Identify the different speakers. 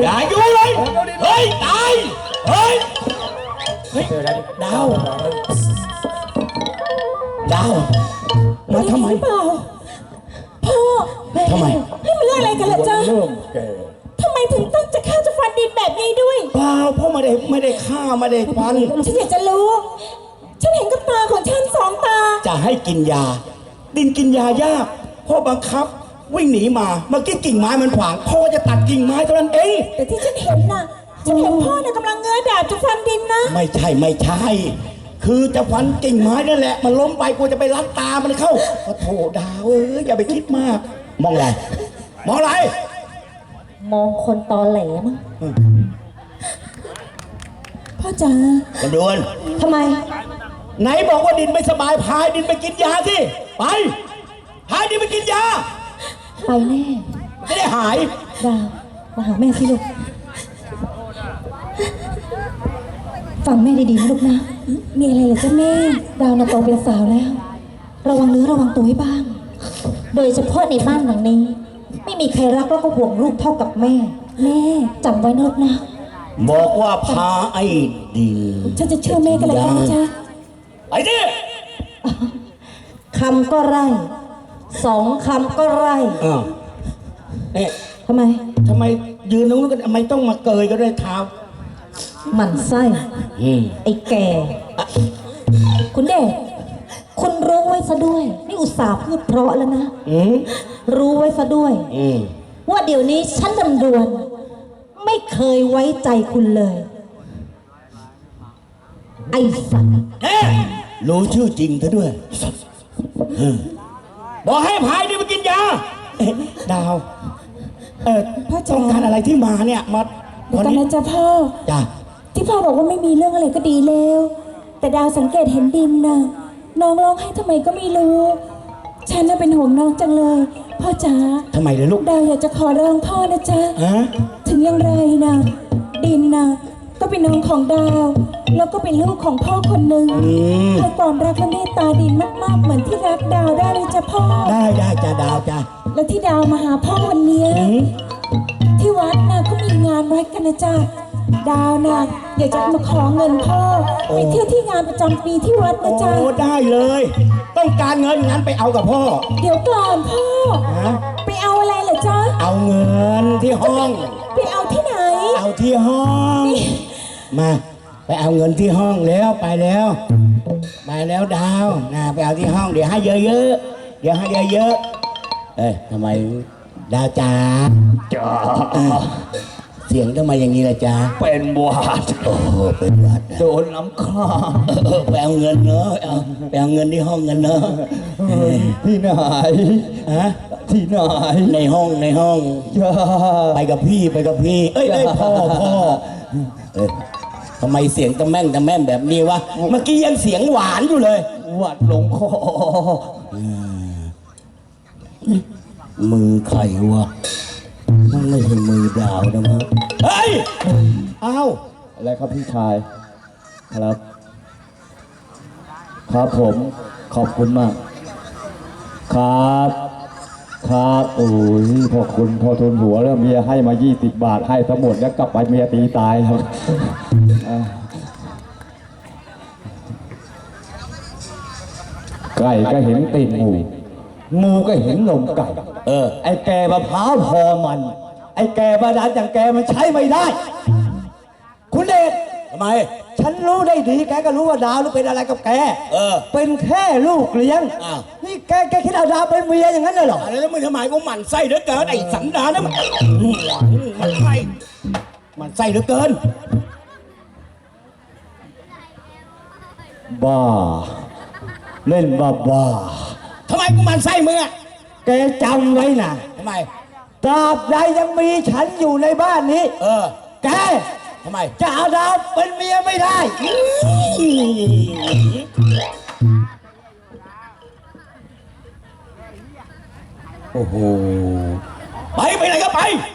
Speaker 1: อย่าอยู่เลยเฮ้ยตายเฮ้ยดาวมาทำไม
Speaker 2: เปล่าพ่อ
Speaker 1: ทำไม
Speaker 2: ให้มันเรื่องอะไรกันล่ะจ๊ะทำไมถึงต้องจะฆ่าจะฟันดินแบบนี้ด้วย
Speaker 1: เปล่าพ่อไม่ได้ฆ่าไม่ได้ฟัน
Speaker 2: ฉันอยากจะรู้ฉันเห็นกับตาของฉันสองตา
Speaker 1: จะให้กินยาดินกินยายากพ่อบังคับวิ่งหนีมาเมื่อกี้กิ่งไม้มันขวางพ่อจะตัดกิ่งไม้เท่านั้นเอง
Speaker 2: แต่ที่ฉันเห็นน่ะฉันเห็นพ่อเนี่ยกำลังเงื้อดาบจะฟันดินนะ
Speaker 1: ไม่ใช่คือจะฟันกิ่งไม้นั่นแหละมันล้มไปกูจะไปรัดตามันเข้าโอ้โถดาวอย่าไปคิดมากมองอะไร
Speaker 2: มองคนตอแหลมั้งพ่อจ๋า
Speaker 1: กันดวน
Speaker 2: ทำไม
Speaker 1: ไหนบอกว่าดินไม่สบายพายดินไปกินยาสิไปพายดินไปกินยา
Speaker 2: ไปแน่
Speaker 1: ไม่ได้หาย
Speaker 2: ดาวมาหาแม่สิลูกฟังแม่ดีๆนะลูกนะมีอะไรเหรอจ๊ะแม่ดาวน่ะโตเป็นสาวแล้วระวังเนื้อระวังตัวให้บ้างโดยเฉพาะในบ้านหลังนี้ไม่มีใครรักแล้วก็ห่วงลูกเท่ากับแม่จำไว้นะลูกนะ
Speaker 1: บอกว่าพาไอ้ดิน
Speaker 2: ฉันจะเชื่อแม่กันเลยนะจ๊ะ
Speaker 1: ไอ้ดิ
Speaker 2: คำก็ไร่สองคำก็ไร่
Speaker 1: เนี่ย
Speaker 2: ทำไม
Speaker 1: ยืนตรงนู้นกันทำไมต้องมาเกยก็ได้เท้า
Speaker 2: หมั่นไส้ไอ้แก่คุณเดชคุณรู้ไว้ซะด้วยนี่อุตส่าห์พูดเพราะแล้วนะรู้ไว้ซะด้วยว่าเดี๋ยวนี้ฉันดำดวนไม่เคยไว้ใจคุณเลยไอ้สัตว์
Speaker 1: รู้ชื่อจริงเธอด้วยบอกให้พายดิมากินยาดาว
Speaker 2: พ่อ
Speaker 1: ต้องการอะไรที่มาเนี่ยมา
Speaker 2: ตอนนั้นจ้ะพ่อ
Speaker 1: จ้ะ
Speaker 2: ที่พ่อบอกว่าไม่มีเรื่องอะไรก็ดีแล้วแต่ดาวสังเกตเห็นดินน่ะน้องร้องให้ทำไมก็ไม่รู้ฉันน่ะเป็นห่วงน้องจังเลยพ่อจ๋า
Speaker 1: ทำไมเลยลูก
Speaker 2: ดาวอยากจะขอร้องพ่อนะจ๊ะถึงอย่างไรนะดินน่ะก็เป็นน้องของดาวแล้วก็เป็นลูกของพ่อคนหนึ่งให้ความรักและเมตตาดินมากๆเหมือนที่รักดาวได้เลยจ้ะพ่อ
Speaker 1: ได้จ้ะดาวจ้ะ
Speaker 2: แล้วที่ดาวมาหาพ่อวันนี้ที่วัดน่ะก็มีงานวัดกันนะจ๊ะดาวน่ะอยากจะมาขอเงินพ่อไปเที่ยวที่งานประจำปีที่วัดนะจ๊ะ
Speaker 1: โอ้ได้เลยต้องการเงินงั้นไปเอากับพ่อ
Speaker 2: เดี๋ยวก่อนพ่อไปเอาอะไรเหรอจ๊ะ
Speaker 1: เอาเงินที่ห้อง
Speaker 2: ไปเอาที่ไหน
Speaker 1: เอาที่ห้องมาไปเอาเงินที่ห้องแล้วไปแล้วดาวนะไปเอาที่ห้องเดี๋ยวให้เยอะทำไมดาวจ๋าเสียงทำไมอย่างนี้ล่ะจ๊ะ
Speaker 3: เป็นหวัด
Speaker 1: เป็นหวัด
Speaker 3: โดนน้ำข้า
Speaker 1: ไปเอาเงินเนอะไปเอาเงินที่ห้องเงินเนอะ
Speaker 3: ที่ไหนที่ไหน
Speaker 1: ในห้องไปกับพี่เอ้ยพ่อทำไมเสียงตะแม่งแบบนี้วะเมื่อกี้ยังเสียงหวานอยู่เลย
Speaker 3: หวัดลงคอ
Speaker 1: มือใครวะมันไม่ใช่มือดาวนะมั้งเฮ้ย
Speaker 3: อะไรครับพี่ชายครับผมขอบคุณมากครับโอ้ยพอคุณพอทุนหัวแล้วเมียให้มา20 บาทให้ทั้งหมดแล้วกลับไปเมียตีตายครับไก่ก็เห็นตีนงูก็เห็นนมไก่ไอ้แกมะพร้าวพอมันไอ้แกบาดาลอย่างแกมันใช้ไม่ได้คุณเดช
Speaker 1: ทำไม
Speaker 3: ฉันรู้ได้ดีแกก็รู้ว่าดาวเป็นอะไรกับแกเป็นแค่ลูกเลี้ยงนี่แกคิดเอาดาวเป็นเมียอย่างนั้นเลยเหรอ
Speaker 1: แล้วมึงทำไมกูหมั่นไส้เหลือเกินไอ้สันดานนะมันไส้เหลือเกิน
Speaker 3: บ้าเล่นบ้า
Speaker 1: ทำไมกูหมั่นไส้มึงอะ
Speaker 3: แกจำไว้นะ
Speaker 1: ทำไม
Speaker 3: ตราบใดยังมีฉันอยู่ในบ้านนี้แก
Speaker 1: ทำไม
Speaker 3: จะเอาดาวเป็นเมียไม่ได้
Speaker 1: โอ้โหไปไหนก็ไป